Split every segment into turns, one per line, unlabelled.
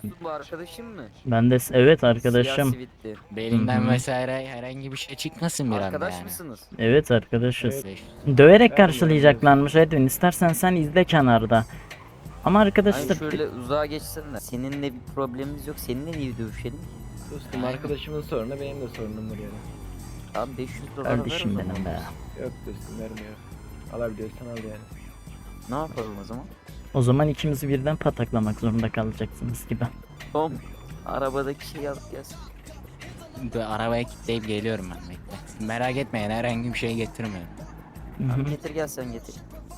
dostum bu arkadaşım mı?
Ben de evet
Siyah
arkadaşım.
sivitli.
Belinden
Hı hı.
vesaire herhangi bir şey çıkmasın bir anda
Arkadaş
yani.
mısınız?
Evet arkadaşız.
Evet.
Döverek
Ben
karşılayacaklarmış Edwin. İstersen sen izle kenarda. Ama
Hani
arkadaşlar
şöyle uzağa geçsene. Seninle bir problemimiz yok. Seninle niye dövüşelim?
Dostum arkadaşımın sorunu benim de sorunumdur yani.
Abi 500 dolar ver o
kardeşim
zaman.
benim be.
Yok dostum vermiyor. Alabiliyorsan al yani.
Ne yapalım o zaman?
O zaman ikimizi birden pataklamak zorunda kalacaksınız gibi.
Tom arabadaki şeyi alıp gelsin.
Dur, arabaya kilitleyip geliyorum ben, bekle. Merak etmeyin, herhangi bir şey getirmiyorum.
Hı hı.
Abi getir gel sen getir.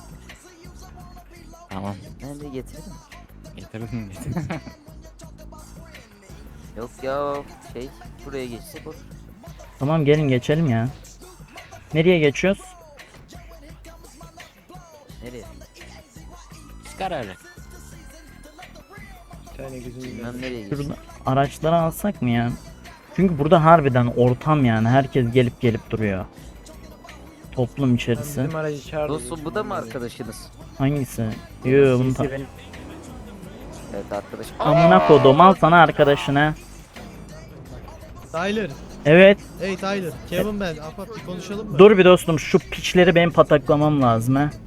Tamam.
Nerede getirdin?
Getirdim getirdim.
Yok ya şey buraya geçsek olur.
Tamam gelin geçelim ya. Nereye geçiyoruz?
Nereye?
Siz kararı.
Bir tane gözüm
Bilmem nereye geçsin.
Şurada araçları alsak mı ya? Çünkü burada harbiden ortam yani. Herkes gelip duruyor. Toplum içerisi.
Bizim aracı çağırdı.
Dostum bu da mı arkadaşınız?
Hangisi? Yoo bunu
Evet arkadaş.
amına kodum al sana arkadaşına.
Tyler.
Evet.
Hey Tyler. Kevin ben. Apat bir konuşalım mı?
Dur bir dostum şu piçleri benim pataklamam lazım ha.